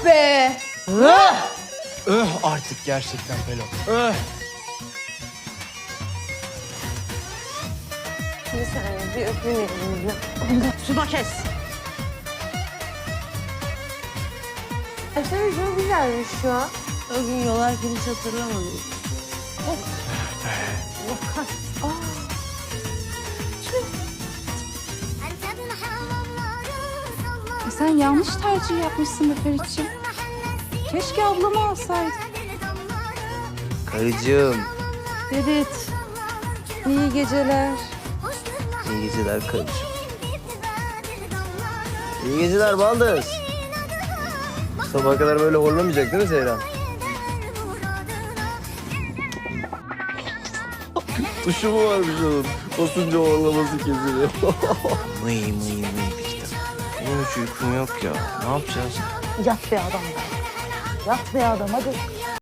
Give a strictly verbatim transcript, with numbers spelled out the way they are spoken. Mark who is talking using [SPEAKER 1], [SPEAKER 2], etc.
[SPEAKER 1] be!
[SPEAKER 2] Öh! Öh artık gerçekten Pelo. Öh!
[SPEAKER 1] Bir saniye, bir öpeyim elinizi.
[SPEAKER 3] Suda kes.
[SPEAKER 1] Aşırı çok güzelmiş şu an.
[SPEAKER 3] O gün yolarken hiç hatırlamadım.
[SPEAKER 4] E sen yanlış tercih yapmışsın be Ferit'ciğim. Keşke ablamı alsaydın.
[SPEAKER 5] Karıcığım.
[SPEAKER 4] Ferit, iyi geceler.
[SPEAKER 5] İyi geceler karıcığım. İyi geceler Baldız. Sabaha kadar böyle horlamayacak değil mi Seyran? Tuşu mu varmış onun? Basınca horlaması kesiliyor. mıy mıy mıy bir kitap. Benim hiç uykum yok ya. Ne yapacağız?
[SPEAKER 3] Yat be adam. Yat be adam hadi.